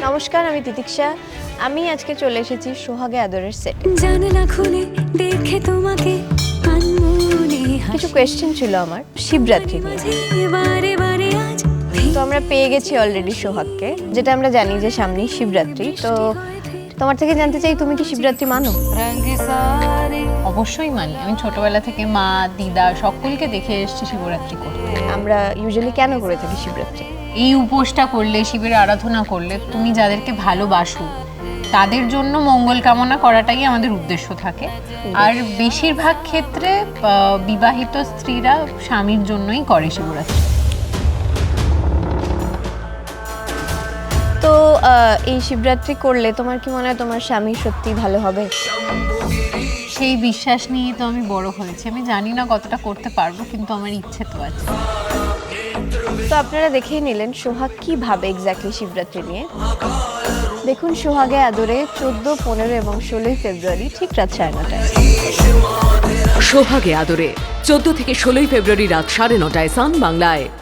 নমস্কার, আমি তিতিক্ষা। আমি আজকে চলে এসেছি সোহাগে আদরের সেটে। জানলা খুলে দেখে তোমাকে কিছু কোয়েশ্চেন ছিল আমার শিবরাত্রি নিয়ে। বারে বারে আজ তো আমরা পেয়ে গেছি অলরেডি সোহাগকে, যেটা আমরা জানি যে সামনেই শিবরাত্রি। তো তোমার থেকে জানতে চাই, তুমি কি শিবরাত্রি মানো? অবশ্যই মানি। আমি ছোটবেলা থেকে মা, দিদা সকলকে দেখে এসেছি শিবরাত্রি করতে। আমরা ইউজুয়ালি কেন করে থাকি শিবরাত্রি? এই উপোসটা করলে, শিবের আরাধনা করলে, তুমি যাদেরকে ভালোবাসো তাদের জন্য মঙ্গল কামনা করাটাই আমাদের উদ্দেশ্য থাকে। আর বেশিরভাগ ক্ষেত্রে বিবাহিত স্ত্রীরা স্বামীর জন্যই করে শিবরাত্রি। তো এই শিবরাত্রি করলে তোমার কি মনে হয় তোমার স্বামী সত্যি ভালো হবে? সেই বিশ্বাস নিয়েই তো আমি বড় হয়েছি। আমি জানি না কতটা করতে পারবো, কিন্তু আমার ইচ্ছে তো আছে। তো আপনারা দেখেই নিলেন সোহাগ কি ভাবে এক্স্যাক্টলি শিবরাত্রি নিয়ে। দেখুন সোহাগে আদরে 14, 15 এবং 16 ফেব্রুয়ারি ঠিক রাত 9:30টায়। সোহাগে আদরে 14 থেকে 16 ফেব্রুয়ারি রাত 9:30 সান বাংলায়।